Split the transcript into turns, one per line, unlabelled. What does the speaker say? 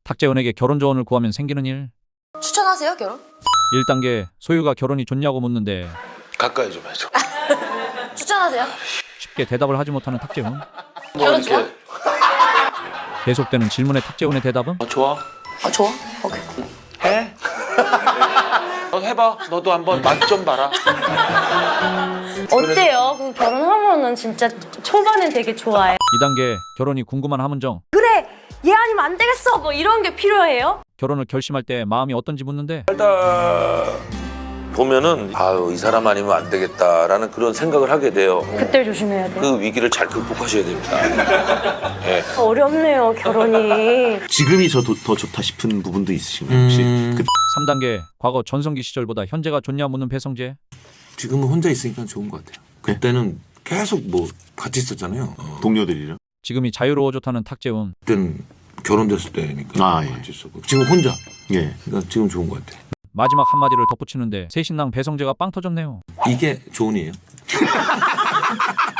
탁재훈에게 결혼 조언을 구하면 생기는 일.
추천하세요, 결혼?
1단계 소유가 결혼이 좋냐고 묻는데
가까이 좀 해줘.
추천하세요?
쉽게 대답을 하지 못하는 탁재훈.
뭐
결혼 좋아?
계속되는 질문에 탁재훈의 대답은
좋아?
아, 좋아? 오케이.
해? 너 해봐. 너도 한번 맛 좀 봐라.
어때요? 그 결혼하면은 진짜 초반엔 되게 좋아요.
2단계 결혼이 궁금한 함은정.
그래, 얘 아니면 안 되겠어. 뭐 이런 게 필요해요?
결혼을 결심할 때 마음이 어떤지 묻는데
보면은 아유 이 사람 아니면 안 되겠다라는 그런 생각을 하게 돼요.
그때 조심해야 돼.
그 위기를 잘 극복하셔야 됩니다. 네.
어렵네요, 결혼이.
지금이 더 좋다 싶은 부분도 있으신가요 혹시?
3단계 과거 전성기 시절보다 현재가 좋냐 묻는 배성재.
지금은 혼자 있으니까 좋은 것 같아요. 그때는 계속 뭐 같이 있었잖아요.
동료들이랑?
지금이 자유로워 좋다는 탁재훈.
그때는 결혼됐을 때니까
예.
같이 있었고 지금 혼자.
예.
그러니까 지금 좋은 것 같아요.
마지막 한마디를 덧붙이는데 새신랑 배성재가 빵 터졌네요.
이게 좋은이에요.